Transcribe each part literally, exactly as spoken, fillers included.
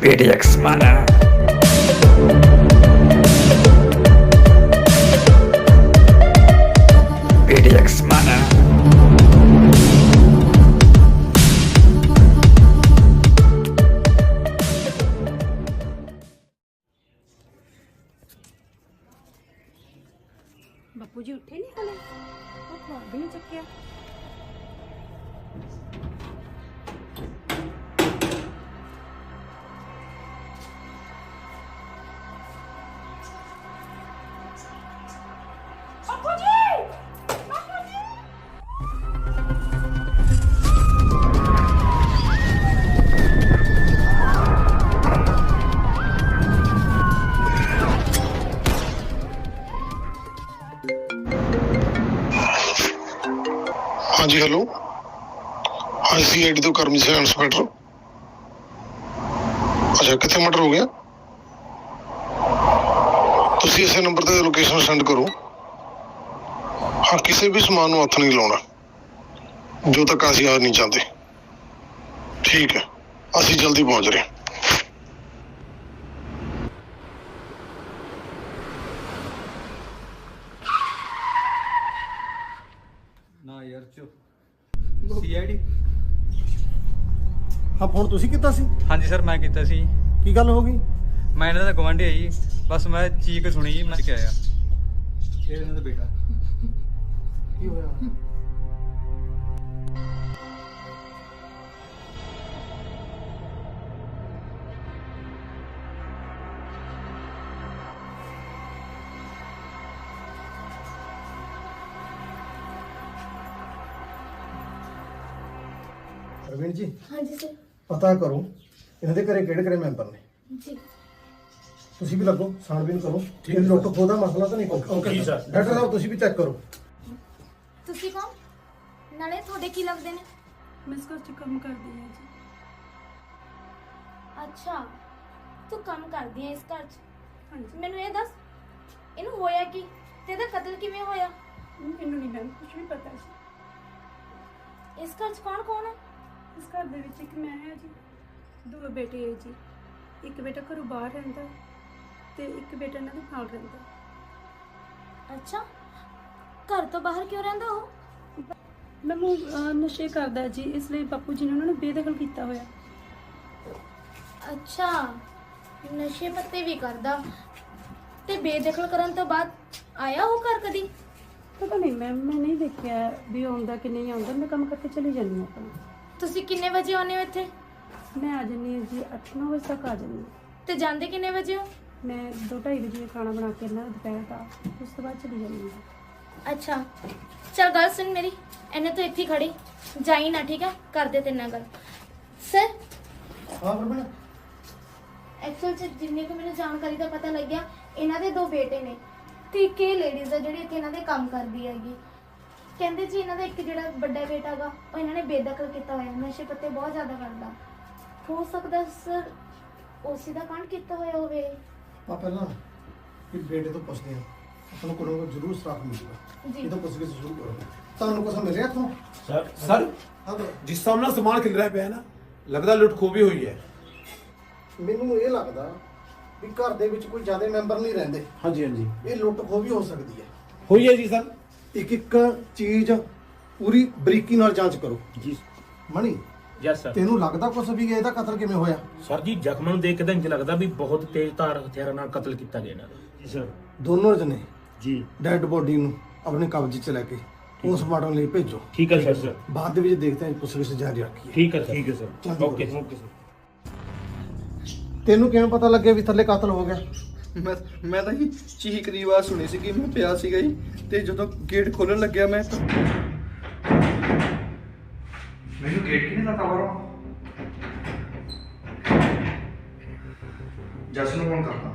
ਪੀਡੀਐਕਸ ਮਾਨਾ ਪੀਡੀਐਕਸ ਮਾਨਾ ਬਾਪੂ ਜੀ ਉੱਠੇ ਨਹੀਂ ਹਲੇ ਉਹ ਖਵਾ ਵੀ ਨਹੀਂ ਚੱਕਿਆ। ਬਾਪੂ ਜੀ ਬਾਪੂ ਜੀ हाँ जी हेलो हाँ सी आई डी तो करमी से इंस्पेक्टर अच्छा कितने मर्डर हो गया तुसी इसे नंबर ते लोकेशन सेंड करो हाँ किसी भी समान को हथ नहीं लाना जो तक असीं आ नहीं चाहते ठीक है असीं जल्दी पहुंच रहे हैं। ਨਾ ਯਾਰ ਚੋ ਸੀਆਈਡੀ ਹਾਂ ਫੋਨ ਤੁਸੀਂ ਕੀਤਾ ਸੀ? ਹਾਂਜੀ ਸਰ ਮੈਂ ਕੀਤਾ ਸੀ। ਕੀ ਗੱਲ ਹੋ ਗਈ? ਮੈਂ ਇਹਨਾਂ ਦਾ ਗਵਾਂਢੀ ਆ ਜੀ, ਬਸ ਮੈਂ ਚੀਕ ਸੁਣੀ ਜੀ, ਮੈਂ ਕਿ ਆਇਆ ਇਹ ਇਹਨਾਂ ਦਾ ਬੇਟਾ। ਕੀ ਹੋਇਆ? ਰਵੀਨ ਜੀ ਹਾਂਜੀ ਸਰ ਪਤਾ ਕਰੋ ਇਹਨਾਂ ਦੇ ਘਰੇ ਕਿਹੜੇ ਕਿਹੜੇ ਮੈਂਬਰ ਨੇ। ਜੀ ਤੁਸੀਂ ਵੀ ਲੱਗੋ ਛਾਣਬੀਨ ਕਰੋ ਇਹ ਲੁੱਟ ਖੋਹ ਦਾ ਮਸਲਾ ਤਾਂ ਨਹੀਂ ਕੋਈ। Okay sir. ਡਾਕਟਰ ਸਾਹਿਬ ਤੁਸੀਂ ਵੀ ਚੈੱਕ ਕਰੋ। ਤੁਸੀਂ ਕੌਣ ਨਾਲੇ ਤੁਹਾਡੇ ਕੀ ਲੱਗਦੇ ਨੇ? ਮੈਂ ਇਸ ਘਰ 'ਚ ਕੰਮ ਕਰਦੀ ਹਾਂ ਜੀ। ਅੱਛਾ ਤੂੰ ਕੰਮ ਕਰਦੀ ਹੈ ਇਸ ਘਰ 'ਚ। ਹਾਂਜੀ ਮੈਨੂੰ ਇਹ ਦੱਸ ਇਹਨੂੰ ਹੋਇਆ ਕੀ ਤੇ ਇਹਦਾ ਕਤਲ ਕਿਵੇਂ ਹੋਇਆ? ਮੈਨੂੰ ਨਹੀਂ ਮੈਮ ਕੁਝ ਵੀ ਪਤਾ ਸੀ। ਇਸ ਘਰ 'ਚ ਕੌਣ ਕੌਣ ਹੈ? ਇਸ ਘਰ ਦੇ ਵਿੱਚ ਇੱਕ ਮੈਂ ਹਾਂ ਜੀ, ਦੋ ਬੇਟੇ ਹੈ ਜੀ। ਇੱਕ ਬੇਟਾ ਘਰੋਂ ਬਾਹਰ ਰਹਿੰਦਾ ਤੇ ਇੱਕ ਬੇਟਾ ਇਹਨਾਂ ਦੇ ਨਾਲ ਰਹਿੰਦਾ। ਅੱਛਾ ਘਰ ਤੋਂ ਬਾਹਰ ਕਿਉਂ ਰਹਿੰਦਾ ਉਹ? ਮੈਨੂੰ ਅਹ, ਨਸ਼ੇ ਕਰਦਾ ਜੀ, ਇਸ ਲਈ ਬਾਪੂ ਜੀ ਨੇ ਉਹਨਾਂ ਨੂੰ ਬੇਦਖਲ ਕੀਤਾ ਹੋਇਆ। ਅੱਛਾ ਨਸ਼ੇ ਪੱਤੇ ਵੀ ਕਰਦਾ ਤੇ ਬੇਦਖਲ ਕਰਨ ਤੋਂ ਬਾਅਦ ਆਇਆ ਉਹ ਘਰ ਕਦੀ? ਪਤਾ ਨਹੀਂ ਮੈਮ, ਮੈਂ ਨਹੀਂ ਦੇਖਿਆ ਵੀ ਆਉਂਦਾ ਕਿ ਨਹੀਂ ਆਉਂਦਾ। ਮੈਂ ਕੰਮ ਕਰਕੇ ਚਲੀ ਜਾਂਦੀ ਹਾਂ ਆਪਣਾ। ਤੁਸੀਂ ਕਿੰਨੇ ਵਜੇ ਆਉਂਦੇ ਹੋ ਇੱਥੇ? ਮੈਂ ਆ ਜਾਂਦੀ ਹਾਂ ਜੀ ਅੱਠ ਨੌ ਵਜੇ ਤੱਕ ਆ ਜਾਂਦੀ ਹਾਂ। ਤੇ ਜਾਂਦੇ ਕਿੰਨੇ ਵਜੇ ਹੋ? ਮੈਂ ਦੋ ਢਾਈ ਵਜੇ ਖਾਣਾ ਬਣਾ ਕੇ ਇਹਨਾਂ ਦਾ ਦੁਪਹਿਰ ਦਾ, ਉਸ ਤੋਂ ਬਾਅਦ ਚਲੀ ਜਾਂਦੀ ਹਾਂ। ਅੱਛਾ ਚਲ ਗੱਲ ਸੁਣ ਮੇਰੀ, ਇਹਨੇ ਤੂੰ ਇੱਥੇ ਖੜੀ ਜਾਈ ਨਾ, ਠੀਕ ਹੈ? ਕਰਦੇ ਤੇਰੇ ਨਾਲ ਗੱਲ। ਸਰ ਹਾਂ ਰਵੀਨ ਐਕਚੁਅਲ ਚ ਜਿੰਨੇ ਕੁ ਮੈਨੂੰ ਜਾਣਕਾਰੀ ਦਾ ਪਤਾ ਲੱਗਿਆ, ਇਹਨਾਂ ਦੇ ਦੋ ਬੇਟੇ ਨੇ ਤੇ ਇੱਕ ਇਹ ਲੇਡੀਜ਼ ਆ ਜਿਹੜੀ ਇੱਥੇ ਇਹਨਾਂ ਦੇ ਕੰਮ ਕਰਦੀ ਹੈਗੀ। ਕਹਿੰਦੇ ਜੀ ਇਹਨਾਂ ਦਾ ਇੱਕ ਜਿਹੜਾ ਵੱਡਾ ਬੇਟਾ ਹੈਗਾ ਉਹ ਇਹਨਾਂ ਨੇ ਬੇਦਖਲ ਕੀਤਾ ਹੋਇਆ, ਨਸ਼ੇ ਪੱਤੇ ਬਹੁਤ ਜ਼ਿਆਦਾ ਕਰਦਾ। ਹੋ ਸਕਦਾ ਸਰ ਉਸੇ ਦਾ ਕਾਂਡ ਕੀਤਾ ਹੋਇਆ ਹੋਵੇ। ਆ ਪਹਿਲਾਂ ਇਹ ਬੇਟੇ ਤੋਂ ਪੁੱਛਦੇ ਆ ਆਪਾਂ ਨੂੰ ਕੋਈ ਨਾ ਕੋਈ ਜ਼ਰੂਰ ਸਟਾਫ ਮਿਲੂਗਾ। ਜੀ। ਇਹ ਤਾਂ ਪੁੱਛ ਕੇ ਸ਼ੁਰੂ ਕਰੋ। ਤੁਹਾਨੂੰ ਕੁਝ ਮਿਲ ਰਿਹਾ ਇੱਥੋਂ? ਸਰ ਸਰ ਹਾਂ ਬਈ। ਜਿਸ ਸਾਹਮਣੇ ਸਮਾਨ ਖਿਲ ਰਿਹਾ ਪਿਆ ਨਾ, ਲੱਗਦਾ ਲੁੱਟ ਖੋਹ ਵੀ ਹੋਈ ਹੈ। ਮੈਨੂੰ ਇਹ ਲੱਗਦਾ ਵੀ ਘਰ ਦੇ ਵਿੱਚ ਕੋਈ ਜ਼ਿਆਦਾ ਮੈਂਬਰ ਨਹੀਂ ਰਹਿੰਦੇ। ਹਾਂਜੀ ਹਾਂਜੀ ਇਹ ਲੁੱਟ ਖੋਹ ਵੀ ਹੋ ਸਕਦੀ ਹੈ। ਹੋਈ ਹੈ ਜੀ ਸਰ। ਇੱਕ ਇੱਕ ਚੀਜ਼ ਪੂਰੀ ਬਰੀਕੀ ਨਾਲ ਜਾਂਚ ਕਰੋ। ਜੀ ਮਣੀ ਯਸ ਸਰ। ਤੈਨੂੰ ਲੱਗਦਾ ਕੁਛ ਵੀ ਇਹਦਾ ਕਤਲ ਕਿਵੇਂ ਹੋਇਆ? ਸਰ ਜੀ ਜ਼ਖਮਾਂ ਨੂੰ ਦੇਖ ਕੇ ਤਾਂ ਇੰਜ ਲੱਗਦਾ ਵੀ ਬਹੁਤ ਤੇਜ਼ ਧਾਰ ਹਥਿਆਰਾਂ ਨਾਲ ਕਤਲ ਕੀਤਾ ਗਿਆ ਇਹਨਾਂ ਦਾ। ਜੀ ਸਰ। ਦੋਨੋਂ ਜਣੇ ਜੀ ਡੈਡ ਬੋਡੀ ਨੂੰ ਆਪਣੇ ਕਬਜ਼ੇ 'ਚ ਲੈ ਕੇ ਪੋਸਟਮਾਰਟਮ ਲਈ ਭੇਜੋ। ਠੀਕ ਹੈ ਸਰ। ਬਾਅਦ ਦੇ ਵਿੱਚ ਦੇਖਦੇ ਹਾਂ ਪੁੱਛਗਿੱਛ ਜਾਰੀ ਰੱਖੀਏ। ਠੀਕ ਹੈ ਠੀਕ ਹੈ ਸਰ। ਚਲੋ। Okay okay sir. ਤੈਨੂੰ ਕਿਵੇਂ ਪਤਾ ਲੱਗਿਆ ਵੀ ਥੱਲੇ ਕਤਲ ਹੋ ਗਿਆ? ਮੈਂ ਮੈਂ ਤਾਂ ਜੀ ਚੀਖ ਦੀ ਆਵਾਜ਼ ਸੁਣੀ ਸੀ ਕਿ ਮੈਂ ਪਿਆ ਸੀਗਾ ਜੀ, ਤੇ ਜਦੋਂ ਗੇਟ ਖੋਲਣ ਲੱਗਿਆ ਮੈਂ ਮੈਨੂੰ ਗੇਟ ਕਿਨੇ ਦਾ ਕਵਰ ਹੋ ਜਸ ਨੂੰ ਫੋਨ ਕਰਦਾ।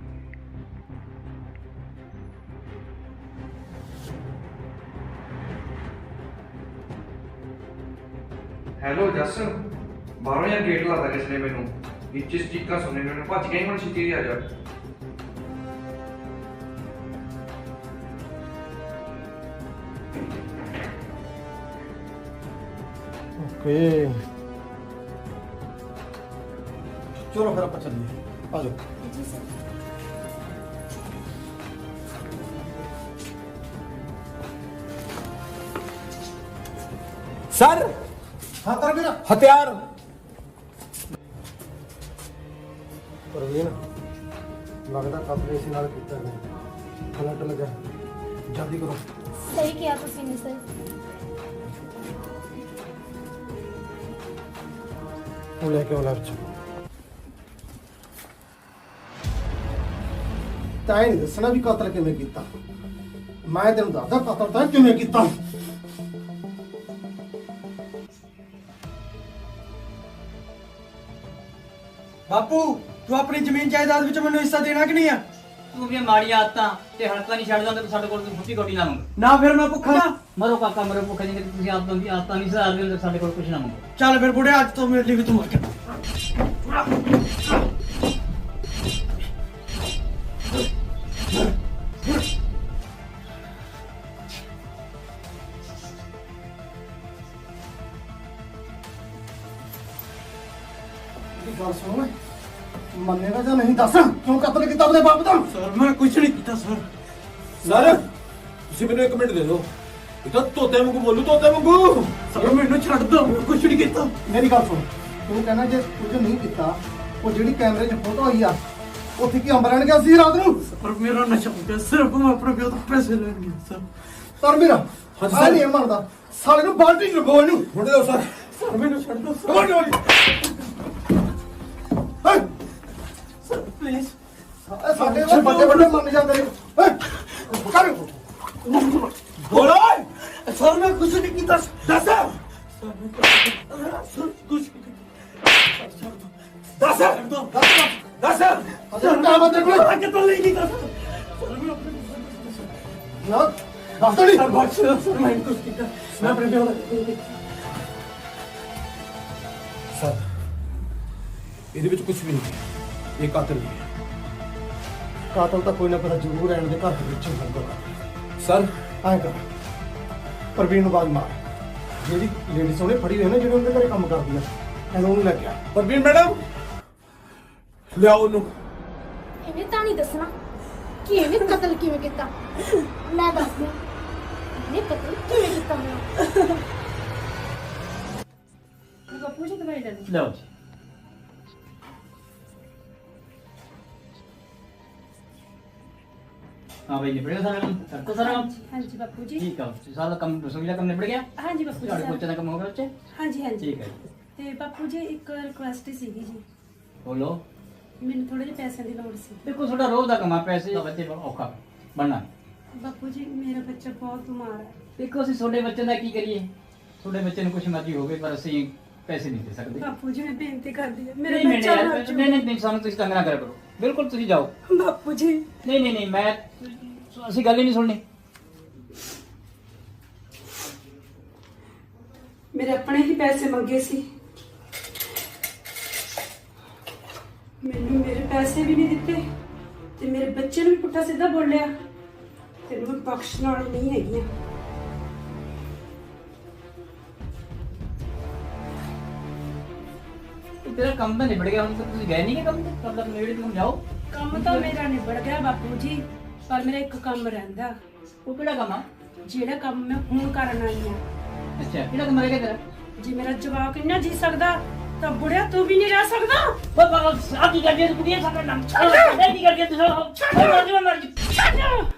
ਹੈਲੋ ਜਸ, ਬਾਹਰੋਂ ਯਾਰ ਗੇਟ ਲਾਦਾ ਕਿਸ ਨੇ ਮੈਨੂੰ, ਵਿੱਚ ਸਟਿੱਕਾਂ ਸੁਣਨੇ ਮੈਨੂੰ ਭੱਜ ਗਈ, ਹੁਣ ਛੇਤੀ ਆ ਜਾ। ਓਕੇ ਚਲੋ ਫਿਰ ਆਪਾਂ ਚੱਲੀਏ, ਆ ਜਾਓ। ਜੀ ਸਰ। सर ਹਾਂ ਕਰ ਵੀਰਾ। हथियार ਪ੍ਰਵੀਨ, ਲੱਗਦਾ ਕਤਲ ਇਸੇ ਨਾਲ ਕੀਤਾ ਗਿਆ। ਫਲਟ ਲੱਗਾ, ਜਲਦੀ ਕਰੋ। ਸਹੀ ਕਿਹਾ ਤੁਸੀਂ ਨੇ ਸਰ। ਉਹ ਲੈ ਕੇ ਆਉਣਾ ਵਿੱਚ ਤਾਂ ਇਹ ਨਹੀਂ ਦੱਸਣਾ ਵੀ ਕਤਲ ਕਿਵੇਂ ਕੀਤਾ। ਮੈਂ ਤੈਨੂੰ ਦੱਸਦਾ ਕਤਲ ਤਾਂ ਕਿਵੇਂ ਕੀਤਾ। ਬਾਪੂ ਤੂੰ ਆਪਣੀ ਜ਼ਮੀਨ ਜਾਇਦਾਦ ਵਿੱਚ ਮੈਨੂੰ ਹਿੱਸਾ ਦੇਣਾ ਕਿ ਨਹੀਂ ਆ? ਤੂੰ ਵੀ ਮਾੜੀਆਂ ਆਦਤਾਂ ਤੇ ਹਲਕਾ ਨਹੀਂ ਛੱਡਦਾ ਤੇ ਸਾਡੇ ਕੋਲ ਤੂੰ ਫੁੱਟੀ ਕੋਟੀ ਨਾ ਮੰਗ। ਨਾ ਫਿਰ ਮੈਂ ਭੁੱਖਾ ਨਾ। ਮਰੋ ਕਾਕਾ ਮਰੋ ਭੁੱਖੇ ਨਹੀਂ, ਤੁਸੀਂ ਆਦਤਾਂ ਦੀ ਆਦਤਾਂ ਨਹੀਂ ਸੁਧਾਰਦੇ ਤੇ ਸਾਡੇ ਕੋਲ ਕੁਝ ਨਾ ਮੰਗੋ। ਚੱਲ ਫਿਰ ਬੁੜੇ, ਅੱਜ ਤੋਂ ਮੇਰੇ ਲਈ ਵੀ ਤੂੰ ਮਰ ਗਿਆ। ਗੱਲ ਸੁਣ, ਮੰਨੇਗਾ ਜਾਂ ਨਹੀਂ ਦੱਸ, ਕਿਉਂ ਕਤਲ ਕੀਤਾ ਆਪਣੇ ਬਾਪ ਦਾ? ਸਰ ਮੈਂ ਕੁਝ ਨਹੀਂ ਕੀਤਾ ਸਰ। सर ਤੁਸੀਂ ਮੈਨੂੰ ਇੱਕ ਮਿੰਟ ਦੇ ਦਿਓ। ਇਹ ਤਾਂ ਤੋਤੇ ਵਾਂਗੂ ਬੋਲੂ, ਤੋਤੇ ਵਾਂਗੂ। ਸਰ ਮੈਨੂੰ ਛੱਡ ਦੋ, ਮੈਂ ਕੁਝ ਨਹੀਂ ਕੀਤਾ। ਮੇਰੀ ਗੱਲ ਸੁਣ, ਤੂੰ ਕਹਿੰਦਾ ਜੇ ਕੁਝ ਨਹੀਂ ਕੀਤਾ, ਉਹ ਜਿਹੜੀ ਕੈਮਰੇ 'ਚ ਫੋਟੋ ਆਈ ਆ, ਉੱਥੇ ਕੀ ਅੰਬ ਲੈਣ ਗਿਆ ਸੀ ਰਾਤ ਨੂੰ? ਪਰ ਮੇਰਾ ਨਸ਼ਾ ਹੋ ਗਿਆ, ਸਿਰਫ ਮੈਂ ਆਪਣੇ ਪਿਓ ਤੋਂ ਪੈਸੇ ਲੈਣ ਗਿਆ ਸਰ। ਪਰ ਮੇਰਾ ਹਾਂਜੀ ਆ ਸਰ। ਨਹੀਂ ਮੰਨਦਾ, ਸਾਲੇ ਨੂੰ ਬਾਲਟੀ 'ਚ ਲਗੋ ਇਹਨੂੰ। ਮੁੰਡੇ ਦੋ ਸਰ। ਸਰ ਮੈਨੂੰ ਛੱਡ ਦੋ ਸਰ। ਕਮਾਂਡ ਵਾਲੀ ਸਰ ਪਲੀਜ਼। ਸਾਡੇ ਵੱਲ ਵੱਡੇ ਵੱਡੇ ਮੰਨ ਜਾਂਦੇ ਨੇ। ਹੈਂ? ਕਰ ਬੋਲੋ ਸਰ, ਮੈਂ ਕੁਝ ਨਹੀਂ ਕੀਤਾ। ਦੱਸ ਸਰ, ਮੈਂ ਕੁਝ ਨਹੀਂ ਕੀਤਾ। ਦੱਸ ਦੱਸ ਅਜੇ ਕੰਮ ਆ ਤੇਰੇ ਕੋਲ? ਮੈਂ ਕਿਤੋਂ ਨਹੀਂ ਕੀਤਾ ਸਰ। ਮੈਂ ਆਪਣੇ ਨਾ ਦੱਸ ਨਹੀਂ। ਸਰ ਬਖਸ਼ ਦਿਓ ਸਰ, ਮੈਂ ਕੁਝ ਕੀਤਾ। ਮੈਂ ਆਪਣੇ ਪਿਓ ਦਾ ਸਰ ਇਹਦੇ ਵਿੱਚ ਕੁਝ ਵੀ ਨਹੀਂ ਹੈ, ਇਹ ਕਾਤਲ ਨਹੀਂ ਹੈ। ਕਾਤਲ ਤਾਂ ਕੋਈ ਨਾ ਕੋਈ ਜ਼ਰੂਰ ਰਹਿਣ ਦੇ ਘਰ ਦੇ ਵਿੱਚ ਹੋਊਗਾ। ਸਰ ਐਂ ਕਰ, ਪ੍ਰਵੀਨ ਨੂੰ ਬਾਜ ਮਾਰ। ਜਿਹੜੀ ਲੇਡੀਜ਼ ਉਹਨੇ ਫੜੀ ਹੋਈ ਨਾ, ਜਿਹੜੀ ਉਹਦੇ ਘਰੇ ਕੰਮ ਕਰਦੀ ਆ, ਇਹਨੂੰ ਉਹਨੂੰ ਲੈ ਕੇ ਆ। ਪ੍ਰਵੀਨ ਮੈਡਮ ਲਿਆਓ ਉਹਨੂੰ। ਇਹਨੇ ਤਾਂ ਨਹੀਂ ਦੱਸਣਾ ਕਿ ਇਹਨੇ ਕਤਲ ਕਿਵੇਂ ਕੀਤਾ। ਮੈਂ ਦੱਸਦੀ ਹਾਂ, ਇਹਨੇ ਕਤਲ ਕਿਵੇਂ ਕੀਤਾ ਹੋਣਾ। ਬਾਪੂ ਜੀ ਦਵਾਈ ਲੈ ਲਓ। ਲਓ ਜੀ। हाँ भाई निपट गया सारा काम, करता सारा काम। ਹਾਂਜੀ ਬਾਪੂ ਜੀ। ठीक है, सारा काम रसोई का काम निपट गया। ਹਾਂਜੀ ਬਾਪੂ ਜੀ। ਤੁਹਾਡੇ ਸਾਰਾ- ਬੱਚੇ ਦਾ ਕੰਮ ਹੋ ਗਿਆ ਬੱਚੇ? ਹਾਂਜੀ ਹਾਂਜੀ। ठीक है जी। ਤੇ ਬਾਪੂ ਜੀ ਇੱਕ ਰਿਕੁਐਸਟ ਸੀਗੀ ਜੀ, बोलो। ਮੈਨੂੰ ਥੋੜੇ ਜਿਹੇ ਪੈਸਿਆਂ ਦੀ ਲੋੜ ਸੀ। देखो थोड़ा रोज का कमा पैसे ਦਾ ਬੱਚੇ ਔਖਾ ਬਣਨਾ। ਬਾਪੂ ਜੀ ਮੇਰਾ ਬੱਚਾ ਬਹੁਤ ਬਿਮਾਰ ਹੈ। ਦੇਖੋ ਅਸੀਂ ਤੁਹਾਡੇ ਬੱਚੇ ਦਾ ਕੀ ਕਰੀਏ, ਤੁਹਾਡੇ ਬੱਚੇ ਨੂੰ ਕੁਛ ਮਰਜ਼ੀ ਹੋਵੇ ਪਰ ਅਸੀਂ ਪੈਸੇ ਨਹੀਂ ਦੇ ਸਕਦੇ। ਬਾਪੂ ਜੀ ਮੈਂ ਬੇਨਤੀ ਕਰਦੀ ਹਾਂ, ਨਹੀਂ ਮੇਰਾ ਨਹੀਂ ਬੱਚਾ ਨਹੀਂ ਮਰ ਨਹੀਂ ਨਹੀਂ ਨਹੀਂ, ਸਾਨੂੰ ਤੁਸੀਂ ਤੰਗ ਨਾ ਕਰਿਆ ਕਰੋ, ਬਿਲਕੁਲ ਤੁਸੀਂ ਜਾਓ। ਜਾਊ। ਬਾਪੂ ਜੀ ਨਹੀਂ ਨਹੀਂ ਨਹੀਂ, ਮੈਂ ਅਸੀਂ ਗੱਲ ਹੀ ਨਹੀਂ ਸੁਣਨੀ। ਮੇਰੇ ਆਪਣੇ ਹੀ ਪੈਸੇ ਮੰਗੇ ਸੀ, ਮੈਨੂੰ ਮੇਰੇ ਪੈਸੇ ਵੀ ਨਹੀਂ ਦਿੱਤੇ ਤੇ ਮੇਰੇ ਬੱਚੇ ਨੂੰ ਵੀ ਪੁੱਠਾ ਸਿੱਧਾ ਬੋਲਿਆ। ਤੈਨੂੰ ਮੈਂ ਬਖਸ਼ਣ ਵਾਲੀ ਨਹੀਂ ਹੈਗੀ। ਤੇਰਾ ਕੰਮ ਤਾਂ ਨਿਬੜ ਗਿਆ, ਹੁਣ ਤੱਕ ਤੁਸੀਂ ਗਏ ਨਹੀਂ ਕਿ ਕੰਮ ਤੇ ਕੰਮ ਦਾ ਨੇੜੇ ਤੁਸੀਂ ਜਾਓ। ਕੰਮ ਤਾਂ ਮੇਰਾ ਨਿਬੜ ਗਿਆ ਬਾਪੂ ਜੀ, ਪਰ ਮੇਰਾ ਇੱਕ ਕੰਮ ਰਹਿੰਦਾ। ਉਹ ਕਿਹੜਾ ਕੰਮ ਆ? ਜਿਹੜਾ ਕੰਮ ਮੈਂ ਹੁਣ ਕਰਨ ਆਈ ਆ। ਅੱਛਾ ਕਿਹੜਾ ਕੰਮ ਰਹਿ ਗਿਆ ਤੇਰਾ? ਜੇ ਮੇਰਾ ਜਵਾਕ ਇੰਨਾ ਜੀ ਸਕਦਾ ਤਾਂ ਬੁੜਿਆ ਤੂੰ ਵੀ ਨਹੀਂ ਰਹਿ ਸਕਦਾ। ਉਹ ਬਾਬਾ ਆ ਕੀ ਕਰਦੀ ਤੂੰ ਕੁੜੀਏ ਸਾਡਾ ਨਾਮ ਛੱਡ ਇਹ ਕੀ ਕਰਦੀ ਤੂੰ ਛੱਡ ਮਰ ਮਰ ਛੱਡ।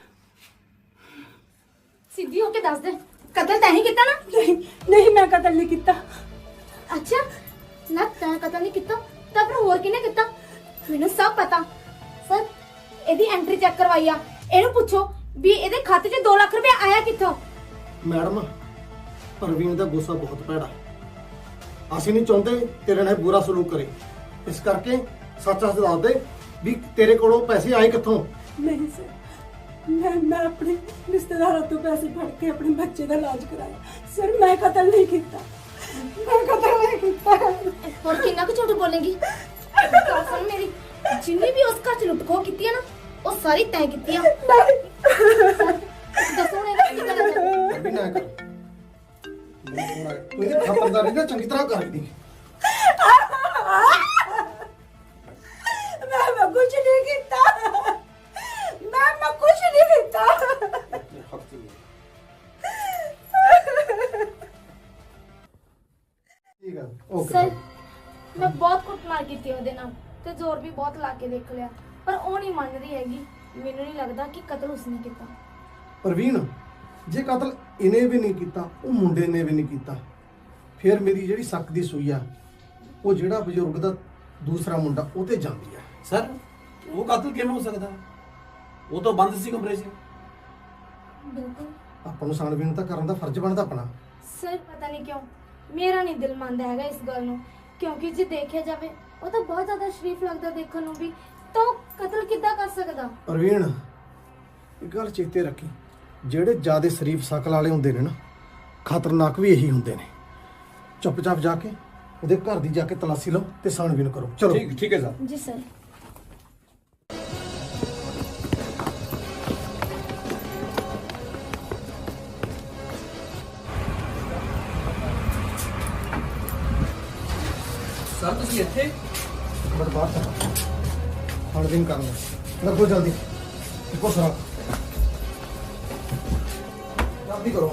ਸਿੱਧੀ ਹੋ ਕੇ ਦੱਸ ਦੇ, ਕਤਲ ਤੈਂ ਹੀ ਕੀਤਾ ਨਾ? ਨਹੀਂ ਨਹੀਂ, ਮੈਂ ਕਤਲ ਨਹੀਂ ਕੀਤਾ। ਅੱਛਾ ਨਾ, ਤੈਂ ਕਤਲ ਨਹੀਂ ਕੀਤਾ ਤਾਂ ਫਿਰ ਹੋਰ ਕਿਹਨੇ ਕੀਤਾ? ਮੈਨੂੰ ਸਭ ਪਤਾ ਸਰ। ਇਹਦੀ ਐਂਟਰੀ ਚੈੱਕ ਕਰਵਾਈ ਆ, ਇਹਨੂੰ ਪੁੱਛੋ ਵੀ ਇਹਦੇ ਖਾਤੇ 'ਚ ਦੋ ਲੱਖ ਰੁਪਏ ਆਇਆ ਕਿੱਥੋਂ। ਮੈਡਮ, ਪ੍ਰਵੀਨ ਦਾ ਗੁੱਸਾ ਬਹੁਤ ਭੈੜਾ। ਅਸੀਂ ਨਹੀਂ ਚਾਹੁੰਦੇ ਤੇਰੇ ਨਾਲ ਬੁਰਾ ਸਲੂਕ ਕਰੇ, ਇਸ ਕਰਕੇ ਸੱਚ ਸੱਚ ਦੱਸ ਦੇ ਵੀ ਤੇਰੇ ਕੋਲੋਂ ਪੈਸੇ ਆਏ ਕਿੱਥੋਂ। ਨਹੀਂ ਸਰ, ਮੈਂ ਮੈਂ ਆਪਣੇ ਰਿਸ਼ਤੇਦਾਰਾਂ ਤੋਂ ਪੈਸੇ ਫੜ ਕੇ ਆਪਣੇ ਬੱਚੇ ਦਾ ਇਲਾਜ ਕਰਾਇਆ। ਸਰ ਮੈਂ ਕਤਲ ਨਹੀਂ ਕੀਤਾ, ਮੈਂ ਕਤਲ ਨਹੀਂ ਕੀਤਾ। ਹੋਰ ਕਿੰਨਾ ਕੁ ਝੂਠ ਬੋਲੇਂਗੀ? ਗੱਲ ਸੁਣ ਮੇਰੀ, ਜਿੰਨੀ ਵੀ ਉਸ ਘਰ 'ਚ ਲੁੱਟਖੋ ਕੀਤੀ ਆ ਨਾ, ਉਹ ਸਾਰੀ ਤੈਂ ਕੀਤੀ ਆ। ਦੱਸੋ ਹੁਣ ਇਹਦਾ ਕੀ ਕਰਨਾ ਚਾਹੁੰਦਾ? ਅਭੀ ਨਾ ਕਰ, ਤੂੰ ਇਹ ਖਬਰਦਾਰੀ ਨਾ ਚੰਗੀ ਤਰ੍ਹਾਂ ਕਰਦੀ। ਓਕੇ ਸਰ ਮੈਂ ਬਹੁਤ ਕੁੱਟਮਾਰ ਕੀਤੀ ਉਹਦੇ ਨਾਲ ਤੇ ਜ਼ੋਰ ਵੀ ਬਹੁਤ ਲਾ ਕੇ ਦੇਖ ਲਿਆ, ਪਰ ਉਹ ਨਹੀਂ ਮੰਨ ਰਹੀ ਹੈਗੀ। ਮੈਨੂੰ ਨਹੀਂ ਲੱਗਦਾ ਕਿ ਕਤਲ ਉਸਨੇ ਕੀਤਾ। ਪ੍ਰਵੀਨ, ਜੇ ਕਤਲ ਇਹਨੇ ਵੀ ਨਹੀਂ ਕੀਤਾ, ਉਹ ਮੁੰਡੇ ਨੇ ਵੀ ਨਹੀਂ ਕੀਤਾ, ਫਿਰ ਮੇਰੀ ਜਿਹੜੀ ਸ਼ੱਕ ਦੀ ਸੂਈ ਆ ਉਹ ਜਿਹੜਾ ਬਜ਼ੁਰਗ ਦਾ ਦੂਸਰਾ ਮੁੰਡਾ ਉਹ ਤੇ ਜਾਂਦੀ ਆ। ਸਰ ਉਹ ਕਾਤਲ ਕਿਵੇਂ ਹੋ ਸਕਦਾ? ਉਹ ਤਾਂ ਬੰਦ ਸੀ ਕਮਰੇ 'ਚ। ਬਿਲਕੁਲ ਆਪਾਂ ਨੂੰ ਛਾਣਬੀਣ ਤਾਂ ਕਰਨ ਦਾ ਫਰਜ਼ ਬਣਦਾ ਆਪਣਾ। ਸਰ ਪਤਾ ਨਹੀਂ ਕਿਉਂ ਮੇਰਾ ਨਹੀਂ ਦਿਲ ਮੰਨਦਾ ਹੈਗਾ ਇਸ ਗੱਲ ਨੂੰ, ਕਿਉਂਕਿ ਜੇ ਦੇਖਿਆ ਜਾਵੇ ਉਹ ਤਾਂ ਬਹੁਤ ਜ਼ਿਆਦਾ ਸ਼ਰੀਫ ਲੱਗਦਾ ਦੇਖਣ ਨੂੰ ਵੀ, ਤਾਂ ਉਹ ਕਤਲ ਕਿੱਦਾਂ ਕਰ ਸਕਦਾ? ਪ੍ਰਵੀਨ, ਇੱਕ ਗੱਲ ਚੇਤੇ ਰੱਖੀ, ਜਿਹੜੇ ਜ਼ਿਆਦਾ ਸ਼ਰੀਫ ਸ਼ਕਲ ਵਾਲੇ ਹੁੰਦੇ ਨੇ ਨਾ, ਖਤਰਨਾਕ ਵੀ ਇਹੀ ਹੁੰਦੇ ਨੇ। ਚੁੱਪਚਾਪ ਜਾ ਕੇ ਉਹਦੇ ਘਰ ਦੀ ਜਾ ਕੇ ਤਲਾਸ਼ੀ ਲਓ ਤੇ ਛਾਣਬੀਣ ਕਰੋ। ਚਲੋ ਠੀਕ ਠੀਕ ਹੈ ਸਰ। ਜੀ ਸਰ। ਸਰ ਤੁਸੀਂ ਇੱਥੇ? ਬੜ ਬਾਹਰ ਤੱਕ ਛਾਣਬੀਣ ਕਰਨਾ, ਲੱਗੋ ਜਲਦੀ। ਇੱਕੋ ਸਰਾ ਜਲਦੀ ਕਰੋ।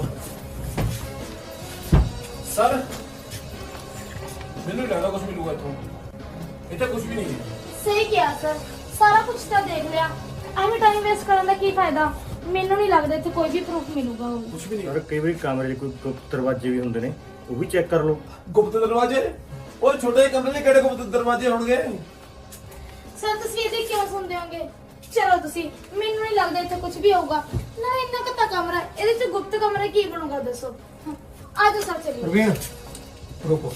ਸਰ ਮੈਨੂੰ ਲੱਗਦਾ ਕੁਝ ਮਿਲੂਗਾ ਇੱਥੋਂ। ਇੱਥੇ ਕੁਝ ਵੀ ਨਹੀਂ ਹੈ। ਸਹੀ ਕਿਹਾ ਸਰ, ਸਾਰਾ ਕੁਝ ਤਾਂ ਦੇਖ ਲਿਆ, ਐਵੇਂ ਟਾਈਮ ਵੇਸਟ ਕਰਨ ਦਾ ਕੀ ਫਾਇਦਾ? ਮੈਨੂੰ ਨਹੀਂ ਲੱਗਦਾ ਇੱਥੇ ਕੋਈ ਵੀ ਪ੍ਰੂਫ ਮਿਲੂਗਾ। ਹੁਣ ਕੁਝ ਵੀ ਨਹੀਂ। ਯਾਰ ਕਈ ਵਾਰੀ ਕਮਰੇ 'ਚ ਕੋਈ ਗੁਪਤ ਦਰਵਾਜ਼ੇ ਵੀ ਹੁੰਦੇ ਨੇ, ਉਹ ਵੀ ਚੈੱਕ ਕਰ ਲਓ। ਗੁਪਤ ਦਰਵਾਜ਼ੇ? ਉਹ ਛੋਟੇ ਜਿਹੇ ਕਮਰੇ 'ਚ ਕਿਹੜੇ ਗੁਪਤ ਦਰਵਾਜ਼ੇ ਹੋਣਗੇ? ਸਰ ਤੁਸੀਂ ਇਹਦੇ ਕਿਉਂ ਸੁਣਦੇ ਹੋਗੇ? ਚਲੋ ਤੁਸੀਂ, ਮੈਨੂੰ ਨਹੀਂ ਲੱਗਦਾ ਇੱਥੇ ਕੁਝ ਵੀ ਹੋਊਗਾ ਨਾ। ਇੰਨਾ ਕਿੱਤਾ ਕਮਰਾ, ਇਹਦੇ 'ਚ ਗੁਪਤ ਕਮਰਾ ਕੀ ਬਣੂਗਾ ਦੱਸੋ? ਆ ਜਾਓ ਸਰ, ਚਲਿਏ। ਪ੍ਰਵੀਨ ਰੁਕੋ,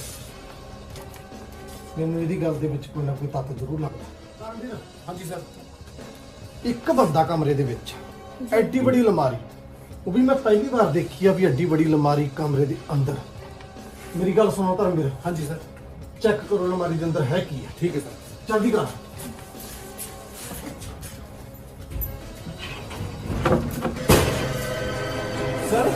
ਮੈਨੂੰ ਇਹਦੀ ਗੱਲ ਦੇ ਵਿੱਚ ਕੋਈ ਨਾ ਕੋਈ ਤੱਤ ਜ਼ਰੂਰ ਲੱਗਦਾ। ਹਾਂਜੀ ਸਰ। ਇੱਕ ਬੰਦਾ ਕਮਰੇ ਦੇ ਵਿੱਚ, ਐਡੀ ਬੜੀ ਅਲਮਾਰੀ, ਉਹ ਵੀ ਮੈਂ ਪਹਿਲੀ ਵਾਰ ਦੇਖੀ ਆ ਵੀ ਐਡੀ ਬੜੀ ਅਲਮਾਰੀ ਕਮਰੇ ਦੇ ਅੰਦਰ। ਮੇਰੀ ਗੱਲ ਸੁਣੋ ਧਰਮਵੀਰ। ਹਾਂਜੀ ਸਰ। ਚੈੱਕ ਕਰੋ ਅਲਮਾਰੀ ਦੇ ਅੰਦਰ ਹੈ ਕੀ ਹੈ। ਠੀਕ ਹੈ ਸਰ। ਜਲਦੀ ਕਰ। ਸਰ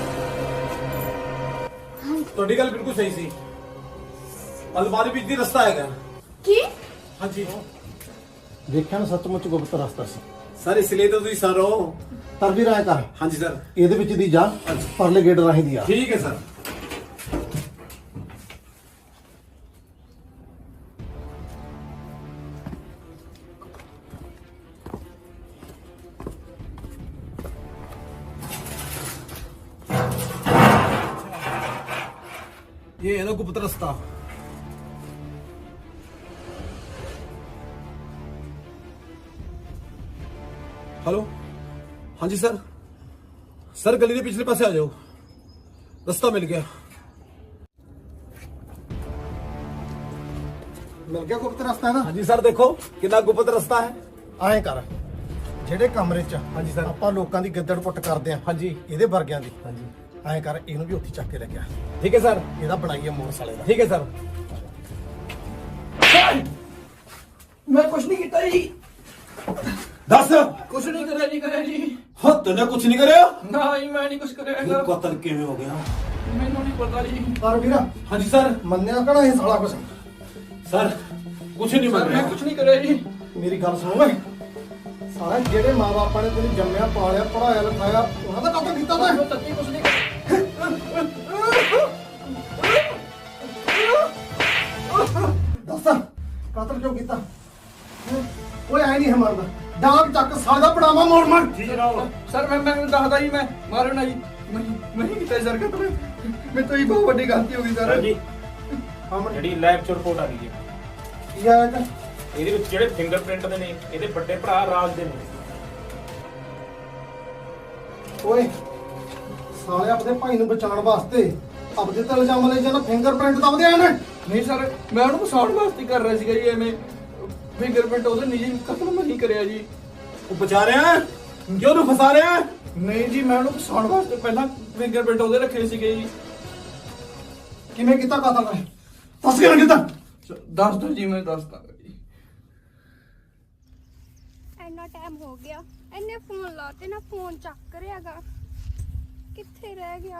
ਤੁਹਾਡੀ ਗੱਲ ਬਿਲਕੁਲ ਸਹੀ ਸੀ। ਅਲਮਾਰੀ ਵਿੱਚ ਦੀ ਰਸਤਾ ਹੈਗਾ। ਕੀ? ਹਾਂਜੀ ਦੇਖਿਆ ਨਾ, ਸੱਚਮੁੱਚ ਗੁਪਤ ਰਸਤਾ ਸੀ। ਸਰ ਇਸ ਲਈ ਤਾਂ ਤੁਸੀਂ ਸਰ ਹੋ। ਤਰਵੀਰ ਆਇਆ ਕਰ। ਹਾਂਜੀ ਸਰ। ਇਹਦੇ ਵਿੱਚ ਦੀ ਜਾ, ਪਰਲੇ ਗੇਟ ਰਾਹੀਂ ਦੀ ਆ। ਠੀਕ ਹੈ ਸਰ। ये है ना गुप्त रास्ता। हेलो, हाँ जी सर। सर गली के पिछले पासे आ जाओ, रास्ता मिल गया। ਮਿਲ ਗਿਆ ਗੁਪਤ ਰਸਤਾ ਨਾ? हाँ जी सर, देखो कितना गुप्त रास्ता है। ਐਂ ਕਰ, ਜਿਹੜੇ ਕਮਰੇ 'ਚ ਹਾਂਜੀ ਸਰ। ਆਪਾਂ ਲੋਕਾਂ ਦੀ ਗਿੱਦੜ ਪੁੱਟ ਕਰਦੇ ਆ, ਹਾਂਜੀ ਇਹਦੇ ਵਰਗਿਆਂ ਦੀ, ਹਾਂਜੀ ਐਂ ਕਰ ਇਹਨੂੰ ਵੀ ਉੱਥੇ ਚੱਕ ਕੇ ਲੈ ਗਿਆ। ठीक है सर। ਇਹਦਾ ਬਣਾਈਏ ਮੋਰ ਸਾਲੇ ਦਾ। ठीक है सर। ਮੈਂ ਕੁਝ ਨਹੀਂ ਕੀਤਾ ਜੀ। दस ਕੁਝ ਨਹੀਂ ਕਰਿਆ ਜੀ, ਕਰਿਆ ਜੀ। हाँ तूने कुछ नहीं करे? ਨਾ ਜੀ ਮੈਂ ਨਹੀਂ ਕੁਝ ਕਰਿਆ ਹੈਗਾ। कतल किवें हो गया? ਮੈਨੂੰ ਨਹੀਂ ਪਤਾ ਜੀ। ਪਰ ਵੀਰਾ हाँ जी सर। ਮੰਨਿਆ ਕਹਣਾ ਇਹ ਸਾਲਾ ਕੁਛ। सर कुछ नहीं ਸਰ बन ਮੈਂ रहा। ਕੁਝ ਨਹੀਂ ਕਰਿਆ ਜੀ। ਮੇਰੀ ਗੱਲ ਸੁਣ ਓਏ, ਸਾਲਾ ਜਿਹੜੇ ਮਾਂ-ਬਾਪਾਂ ਨੇ ਤੈਨੂੰ ਜੰਮਿਆ ਪਾਲਿਆ ਪੜਾਇਆ ਲਿਖਾਇਆ, ਉਹਨਾਂ ਦਾ ਕਤਲ ਕੀਤਾ ਤੈਂ। ਮੈਂ ਤੱਕੀ ਕੁਝ ਨਹੀਂ ਕਰਿਆ। ਦੱਸ ਕਤਲ ਕਿਉਂ ਕੀਤਾ? ਹੈਂ? ਓਏ ਐ ਨਹੀਂ ਹੈ ਮਰਦਾ, ਡਾਂਗ ਚੱਕ ਸਾਲੇ ਦਾ ਪੜਾਵਾ ਮੋੜ ਮਾਰ। ਸਰ ਮੈਂ ਮੈਂ ਦੱਸਦਾ ਜੀ, ਮੈਂ ਮਾਰੋ ਨਾ ਜੀ। ਮੈਂ ਮੈਂ ਨਹੀਂ ਕੀਤਾ ਸਰ ਕਤਲ। ਮੇਰੇ ਤੋਂ ਹੀ ਬਹੁਤ ਵੱਡੀ ਗਲਤੀ ਹੋ ਗਈ ਸਰ। ਜੀ ਸਾਹਮਣੇ ਜਿਹੜੀ ਲੈਬ 'ਚ ਰਿਪੋਰਟ ਆ ਗਈ ਹੈ, ਕੀ ਆਇਆ ਇਹਦਾ? ਇਹਦੇ ਵਿੱਚ ਜਿਹੜੇ ਫਿੰਗਰਪ੍ਰਿੰਟ ਦੇ ਨੇ, ਇਹਦੇ ਵੱਡੇ ਭਰਾ ਰਾਜ ਦੇ ਨੇ। ਓਏ ਸਾਲੇ ਆਪਣੇ ਭਾਈ ਨੂੰ ਬਚਾਉਣ ਵਾਸਤੇ ਆਪਦੇ ਤੇ ਇਲਜ਼ਾਮ ਲੈ ਜਾਣਾ, ਫਿੰਗਰਪ੍ਰਿੰਟ ਦਬਦੇ ਆਏ ਨੇ। ਨਹੀਂ ਸਰ, ਮੈਂ ਉਹਨੂੰ ਫਸਾਉਣ ਵਾਸਤੇ ਕਰ ਰਿਹਾ ਸੀਗਾ ਜੀ। ਐਵੇਂ ਫਿੰਗਰਪ੍ਰਿੰਟ ਉਹਦੇ ਨਿੱਜੀ ਕਤਲ ਮੈਂ ਨਹੀਂ ਕਰਿਆ ਜੀ। वो बचा रहे हैं, क्यों तू फंसा रहे हैं? ਨਹੀਂ ਜੀ, ਮੈਂ ਉਹਨੂੰ ਫਸਾਉਣ ਵਾਸਤੇ ਪਹਿਲਾਂ ਫਿੰਗਰਪ੍ਰਿੰਟ ਉਹਦੇ ਰੱਖੇ ਸੀਗੇ ਜੀ। ਕਿਵੇਂ ਕੀਤਾ ਕਤਲ ਹੈ? ਦੱਸ ਕਿਵੇਂ ਕੀਤਾ? ਦੱਸ ਦੋ ਜੀ, ਮੈਂ ਦੱਸਦਾ ਜੀ। ਇੰਨਾ ਟਾਈਮ ਹੋ ਗਿਆ, ਇਹਨੇ ਫੋਨ ਲਾ ਤੇ ਨਾ ਫੋਨ ਚੱਕ ਰਿਹਾਗਾ, ਕਿੱਥੇ ਰਹਿ ਗਿਆ?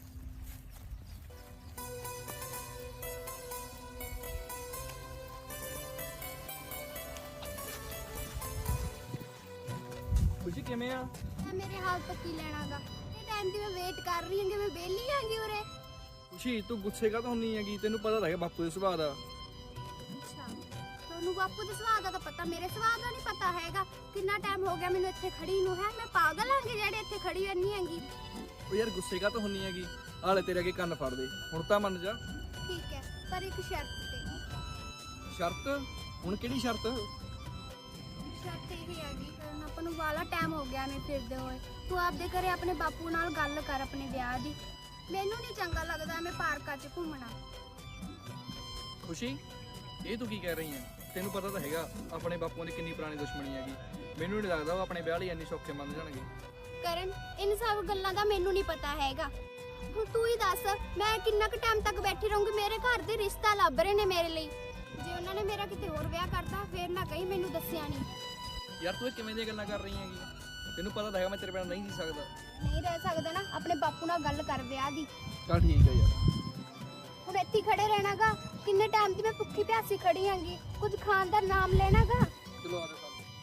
ਖੁਸ਼ੀ ਕਿਵੇਂ ਆ? ਤਾਂ ਮੇਰੇ ਹਾਲ ਤੋਂ ਕੀ ਲੈਣਾਗਾ? ਇਹ ਟਾਈਮ ਦੀ ਮੈਂ ਵੇਟ ਕਰ ਰਹੀ ਹਾਂ ਕਿ ਮੈਂ ਵਿਹਲੀ ਆਂਗੀ ਉਰੇ। ਖੁਸ਼ੀ ਤੂੰ ਗੁੱਸੇ ਕਾ ਤਾਂ ਹੁੰਨੀ ਹੈਗੀ, ਤੈਨੂੰ ਪਤਾ ਤਾਂ ਹੈਗਾ ਬਾਪੂ ਦੇ ਸੁਭਾਅ ਦਾ। ਅੱਛਾ ਤੁਹਾਨੂੰ ਬਾਪੂ ਦੇ ਸੁਭਾਅ ਦਾ ਤਾਂ ਪਤਾ, ਮੇਰੇ ਸੁਭਾਅ ਦਾ ਨਹੀਂ ਪਤਾ ਹੈਗਾ। ਕਿੰਨਾ ਟਾਈਮ ਹੋ ਗਿਆ ਮੈਨੂੰ ਇੱਥੇ ਖੜੀ ਨੂੰ, ਹੈ ਮੈਂ ਪਾਗਲ ਆਂਗੀ ਜਿਹੜੇ ਇੱਥੇ ਖੜੀ ਰਹਿਣੀ ਹੈਗੀ। ਉਹ ਯਾਰ ਗੁੱਸੇ ਕਾ ਤਾਂ ਹੁੰਨੀ ਹੈਗੀ, ਹਾਲੇ ਤੇਰੇ ਅੱਗੇ ਕੰਨ ਫੜ ਦੇ, ਹੁਣ ਤਾਂ ਮੰਨ ਜਾ। ਠੀਕ ਹੈ ਪਰ ਇੱਕ ਸ਼ਰਤ ਤੇ। ਸ਼ਰਤ? ਹੁਣ ਕਿਹੜੀ ਸ਼ਰਤ? ਸ਼ਰਤ ਇਹ ਹੈਗੀ ਕਰਨ ਆਪਾਂ ਨੂੰ ਵਾਲਾ ਟਾਈਮ ਹੋ ਗਿਆ ਐਵੇਂ ਫਿਰਦੇ ਹੋਏ, ਤੂੰ ਆਪਦੇ ਘਰੇ ਆਪਣੇ ਬਾਪੂ ਨਾਲ ਗੱਲ ਕਰ ਆਪਣੇ ਵਿਆਹ ਦੀ। ਮੈਨੂੰ ਨਹੀਂ ਚੰਗਾ ਲੱਗਦਾ ਐਵੇਂ ਪਾਰਕਾਂ 'ਚ ਘੁੰਮਣਾ। ਖੁਸ਼ੀ ਇਹ ਤੂੰ ਕੀ ਕਹਿ ਰਹੀ ਹੈ? ਤੈਨੂੰ ਪਤਾ ਤਾਂ ਹੈਗਾ ਆਪਣੇ ਬਾਪੂਆਂ ਦੀ ਕਿੰਨੀ ਪੁਰਾਣੀ ਦੁਸ਼ਮਣੀ ਹੈਗੀ, ਮੈਨੂੰ ਨਹੀਂ ਲੱਗਦਾ ਉਹ ਆਪਣੇ ਵਿਆਹ ਲਈ ਇੰਨੀ ਸੌਖੇ ਮੰਨ ਜਾਣਗੇ। ਕਰਨ ਇਨ ਸਭ ਗੱਲਾਂ ਦਾ ਮੈਨੂੰ ਨਹੀਂ ਪਤਾ ਹੈਗਾ। ਹੁਣ ਤੂੰ ਹੀ ਦੱਸ ਮੈਂ ਕਿੰਨਾ ਕੁ ਟਾਈਮ ਤੱਕ ਬੈਠੀ ਰਹੂੰਗੀ? ਮੇਰੇ ਘਰ ਦੇ ਰਿਸ਼ਤਾ ਲੱਭ ਰਹੇ ਨੇ ਮੇਰੇ ਲਈ, ਜੇ ਉਹਨਾਂ ਨੇ ਮੇਰਾ ਕਿਤੇ ਹੋਰ ਵਿਆਹ ਕਰਤਾ ਫੇਰ ਨਾ ਕਹੀਂ ਮੈਨੂੰ ਦੱਸਿਆ ਨਹੀਂ। ਯਾਰ ਤੂੰ ਇਹ ਕਿਵੇਂ ਦੀਆਂ ਗੱਲਾਂ ਕਰ ਰਹੀ ਹੈਗੀ? ਤੈਨੂੰ ਪਤਾ ਤਾਂ ਹੈਗਾ ਮੈਂ ਤੇਰੇ ਬਿਨਾਂ ਨਹੀਂ ਜੀ ਸਕਦਾ। ਨਹੀਂ ਰਹਿ ਸਕਦਾ ਨਾ, ਆਪਣੇ ਬਾਪੂ ਨਾਲ ਗੱਲ ਕਰ ਵਿਆਹ ਦੀ। ਚੱਲ ਠੀਕ ਹੈ ਯਾਰ। ਹੁਣ ਇੱਥੇ ਖੜੇ ਰਹਿਣਾਗਾ, ਕਿੰਨੇ ਟਾਈਮ ਦੀ ਮੈਂ ਭੁੱਖੀ ਪਿਆਸੀ ਖੜੀ ਆਂਗੀ, ਕੁਝ ਖਾਣ ਦਾ ਨਾਮ ਲੈਣਾਗਾ। ਚਲੋ ਆ ਜਾ।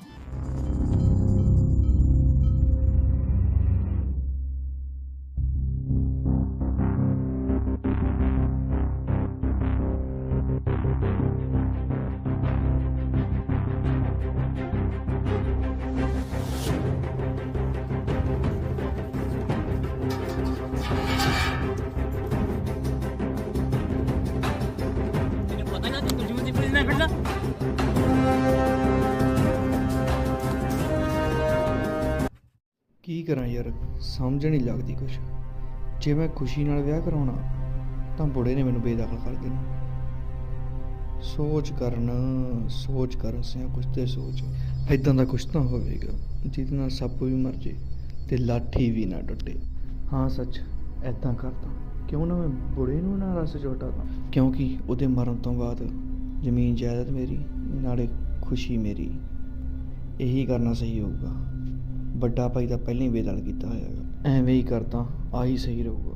ਕੀ ਕਰਾਂ ਯਾਰ, ਸਮਝ ਨਹੀਂ ਲੱਗਦੀ ਕੁਛ। ਜੇ ਮੈਂ ਖੁਸ਼ੀ ਨਾਲ ਵਿਆਹ ਕਰਾਉਣਾ ਤਾਂ ਬੁੜੇ ਨੇ ਮੈਨੂੰ ਬੇਦਖਲ ਕਰ ਦੇਣਾ। ਸੋਚ ਕਰਨ ਸੋਚ ਕਰ ਸਿਆ ਕੁਛ ਤੇ ਸੋਚ, ਇਦਾਂ ਦਾ ਕੁਛ ਤਾਂ ਹੋਵੇਗਾ ਜਿਹਦੇ ਨਾਲ ਸੱਪ ਵੀ ਮਰ ਜੇ ਤੇ ਲਾਠੀ ਵੀ ਨਾ ਟੁੱਟੇ। ਹਾਂ ਸੱਚ, ਇਦਾਂ ਕਰਦਾ ਕਿਉਂ ਨਾ ਮੈਂ ਬੁੜੇ ਨੂੰ ਨਾ ਰਸ ਚੋਟਾਦਾ, ਕਿਉਂਕਿ ਉਹਦੇ ਮਰਨ ਤੋਂ ਬਾਅਦ ਜ਼ਮੀਨ ਜਾਇਦਾਦ ਮੇਰੀ ਨਾਲੇ ਖੁਸ਼ੀ ਮੇਰੀ। ਇਹੀ ਕਰਨਾ ਸਹੀ ਹੋਊਗਾ। ਵੱਡਾ ਭਾਈ ਤਾਂ ਪਹਿਲਾਂ ਹੀ ਬੇਦਲ ਕੀਤਾ ਹੋਇਆ ਹੈਗਾ, ਐਵੇਂ ਹੀ ਕਰਦਾ ਆਹੀ ਸਹੀ ਰਹੂਗਾ।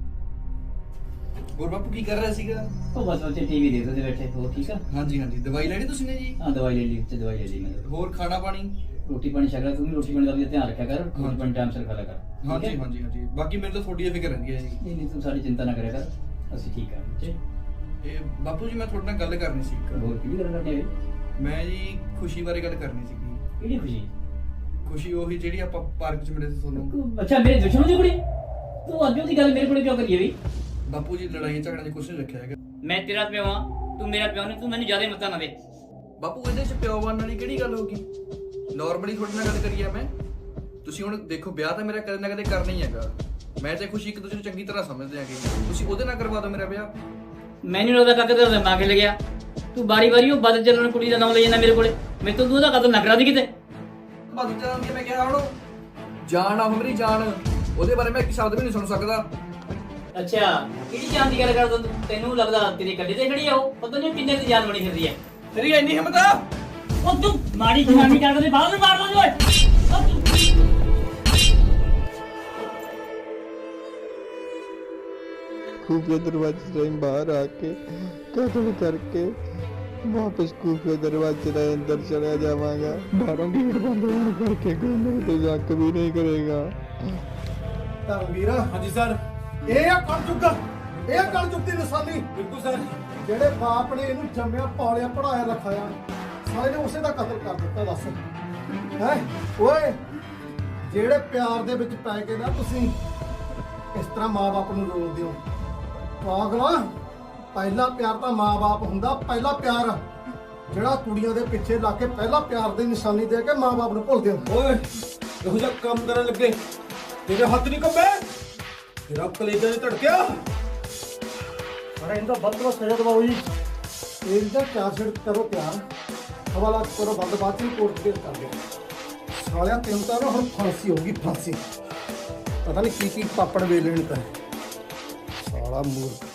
ਹੋਰ ਬਾਪੂ ਕੀ ਕਰ ਰਿਹਾ ਸੀਗਾ? ਉਹ ਬਸ ਉੱਥੇ ਟੀਵੀ ਦੇਖਦੇ ਬੈਠੇ। ਹੋਰ ਠੀਕ ਆ? ਹਾਂਜੀ ਹਾਂਜੀ। ਦਵਾਈ ਲੈਣੀ ਤੁਸੀਂ ਨੇ ਜੀ? ਹਾਂ ਦਵਾਈ ਲੈ ਲਈ, ਉੱਥੇ ਦਵਾਈ ਲੈ ਲਈ ਮੈਂ। ਹੋਰ ਖਾਣਾ ਪਾਣੀ? ਰੋਟੀ ਪਾਣੀ ਛਕ ਲੈ, ਤੂੰ ਵੀ ਰੋਟੀ ਪਾਣੀ ਦਾ ਵੀ ਧਿਆਨ ਰੱਖਿਆ ਕਰ, ਰੋਟੀ ਪਾਣੀ ਟਾਈਮ ਸਿਰ ਖਾ ਲਿਆ ਕਰ। ਹਾਂਜੀ ਹਾਂਜੀ ਹਾਂਜੀ। ਬਾਕੀ ਮੈਨੂੰ ਤਾਂ ਤੁਹਾਡੀ ਫਿਕਰ ਰਹਿੰਦੀ ਹੈ ਜੀ। ਨਹੀਂ ਨਹੀਂ ਤੂੰ ਸਾਡੀ ਚਿੰਤਾ ਨਾ ਕਰਿਆ ਕਰ, ਅਸੀਂ ਠੀਕ ਆ ਬੱਚੇ। ਇਹ ਬਾਪੂ ਜੀ ਮੈਂ ਤੁਹਾਡੇ ਨਾਲ ਗੱਲ ਕਰਨੀ ਸੀ। ਹੋਰ ਕੀ ਗੱਲ ਕਰਨੀ ਹੈ? ਮੈਂ ਜੀ ਖੁਸ਼ੀ ਬਾਰੇ ਗੱਲ ਕਰਨੀ ਸੀਗੀ। ਕਿਹੜੀ ਖੁਸ਼ੀ? ਖੁਸ਼ੀ ਉਹੀ ਜਿਹੜੀ ਆਪਾਂ ਪਾਰਕ 'ਚ ਮਿਲੇ ਸੀ ਤੁਹਾਨੂੰ। ਅੱਛਾ ਮੇਰੇ ਦੁਸ਼ਮਣ ਦੀ ਕੁੜੀ? ਤੂੰ ਅੱਜ ਉਹਦੀ ਗੱਲ ਮੇਰੇ ਕੋਲ ਕਿਉਂ ਕਰੀ ਵੀ? ਬਾਪੂ ਜੀ ਲੜਾਈ ਝਗੜਿਆਂ ਦੀ ਕੁਛ ਨਹੀਂ ਰੱਖਿਆ ਹੈਗਾ। ਮੈਂ ਤੇਰਾ ਪਿਓ ਹਾਂ, ਤੂੰ ਮੇਰਾ ਪਿਓ ਨਹੀਂ, ਤੂੰ ਮੈਨੂੰ ਜ਼ਿਆਦਾ ਮੱਤਾ ਨਾ ਦੇ। ਬਾਪੂ ਇਹਦੇ 'ਚ ਪਿਓ ਬਣਨ ਵਾਲੀ ਕਿਹੜੀ ਗੱਲ ਹੋ ਗਈ? ਨਾਰਮਲੀ ਤੁਹਾਡੇ ਨਾਲ ਗੱਲ ਕਰੀ ਆ ਮੈਂ। ਤੁਸੀਂ ਹੁਣ ਦੇਖੋ ਵਿਆਹ ਤਾਂ ਮੇਰਾ ਕਦੇ ਨਾ ਕਦੇ ਕਰਨਾ ਹੀ ਹੈਗਾ। ਮੈਂ ਤੇ ਖੁਸ਼ੀ ਇੱਕ ਦੂਜੇ ਨੂੰ ਚੰਗੀ ਤਰ੍ਹਾਂ ਸਮਝਦੇ ਆਂਗੇ, ਤੁਸੀਂ ਉਹਦੇ ਨਾਲ ਕਰਵਾ ਦਿਓ ਮੇਰਾ ਵਿਆਹ। ਮੈਨੂੰ ਲੱਗਦਾ ਕਾਕੇ ਤੇਰਾ ਦਿਮਾਗ ਹਿੱਲ ਗਿਆ। ਤੂੰ ਬਾਰੀ ਬਾਰੀ ਉਹ ਬਦਲ ਚੱਲਣ ਕੁੜੀ ਦਾ ਨਾਮ ਲਈ ਜਾਂਦਾ ਮੇਰੇ ਕੋਲੇ। ਮੇਰੇ ਤੋਂ ਤੂੰ ਉਹਦਾ ਕਤਲ ਨਾ ਕਰਾ ਦੀ ਕਿਤੇ। ਬਦਲ ਚੱਲਣ ਦੀ ਮੈਂ ਕਿਹਾ ਉਹਨੂੰ ਜਾਨ ਆ ਮੇਰੀ ਜਾਨ, ਉਹਦੇ ਬਾਰੇ ਮੈਂ ਇੱਕ ਸ਼ਬਦ ਵੀ ਨਹੀਂ ਸੁਣ ਸਕਦਾ। ਅੱਛਾ ਕਿਹੜੀ ਜਾਨ ਦੀ ਗੱਲ ਕਰਦਾ ਤੂੰ? ਤੈਨੂੰ ਲੱਗਦਾ ਤੇਰੇ ਗੱਡੇ ਤੇ ਖੜੀ ਆ ਉਹ? ਪਤਾ ਨਹੀਂ ਕਿੰਨੇ ਦੀ ਜਾਨ ਬਣੀ ਫਿਰਦੀ ਹੈ। ਤੇਰੀ ਇੰਨੀ ਹਿੰਮਤ ਆ? ਉਹ ਤੂੰ ਮਾੜੀ ਜਨਾਨੀ ਕਰਦੇ ਬਾਹਰ ਨੂੰ ਮਾਰ ਦੋ ਓਏ। खुफिया दरवाजे से बाहर आके कत्ल करके वापस खुफिया दरवाजे से अंदर चला जावांगा। बाहरों गेट बंद होने करके कोई मेरे तो जक भी नहीं करेगा। ਧਰਮਵੀਰ। ਹਾਂਜੀ ਸਰ। ਇਹ ਆ ਕਲਯੁੱਗ, ਇਹ ਕਲਯੁੱਗ ਦੀ ਨਿਸ਼ਾਨੀ। ਬਿਲਕੁਲ ਸਰ। ਜਿਹੜੇ ਬਾਪ ਨੇ ਇਹਨੂੰ ਜੰਮਿਆ ਪਾਲਿਆ ਪੜਾਇਆ ਰਖਾਇਆ, ਸਾਰੇ ਨੇ ਉਸੇ ਦਾ ਕਤਲ ਕਰ ਦਿੱਤਾ। ਦੱਸ ਹੈ ਓਏ, ਜਿਹੜੇ ਪਿਆਰ ਦੇ ਵਿੱਚ ਪੈ ਕੇ ਨਾ ਤੁਸੀਂ ਇਸ ਤਰ੍ਹਾਂ ਮਾਂ-ਬਾਪ ਨੂੰ ਰੋਲਦੇ ਹੋ। ਪਾਗਲਾ, ਪਹਿਲਾ ਪਿਆਰ ਤਾਂ ਮਾਂ-ਬਾਪ ਹੁੰਦਾ। ਪਹਿਲਾ ਪਿਆਰ ਜਿਹੜਾ ਕੁੜੀਆਂ ਦੇ ਪਿੱਛੇ ਲਾ ਕੇ ਪਹਿਲਾ ਪਿਆਰ ਦੀ ਨਿਸ਼ਾਨੀ ਦੇ ਕੇ ਮਾਂ-ਬਾਪ ਨੂੰ ਭੁੱਲਦੇ ਹੋ। ਓਏ ਇਹੋ ਜਿਹਾ ਕੰਮ ਕਰਨ ਲੱਗੇ ਤੇਰੇ ਹੱਥ ਨਹੀਂ ਕੰਬੇ, ਤੇਰਾ ਕਲੇਜਾ ਨਹੀਂ ਧੜਕਿਆ। ਅਰੇ ਇਹਦਾ ਬੰਦ ਕਰੋ, ਸਜ਼ਾ ਦਵਾਓ ਜੀ। ਇਹਦਾ ਚਾਰਜਸ਼ੀਟ ਕਰੋ ਤਿਆਰ, ਹਵਾਲਾ ਕਰੋ ਬੰਦ, ਬਾਅਦ ਚ ਕੋਰਟ ਕੇਸ ਕਰ ਦਿਓ। ਸਾਲਿਆ ਤੈਨੂੰ ਤਾਂ ਨਾ ਹੁਣ ਫਾਂਸੀ ਹੋਊਗੀ, ਫਾਂਸੀ। ਪਤਾ ਨਹੀਂ ਕੀ ਕੀ ਪਾਪੜ ਵੇਲਣੇ ਤਾਂ ਸਾਲਾ ਮੂਰਖ।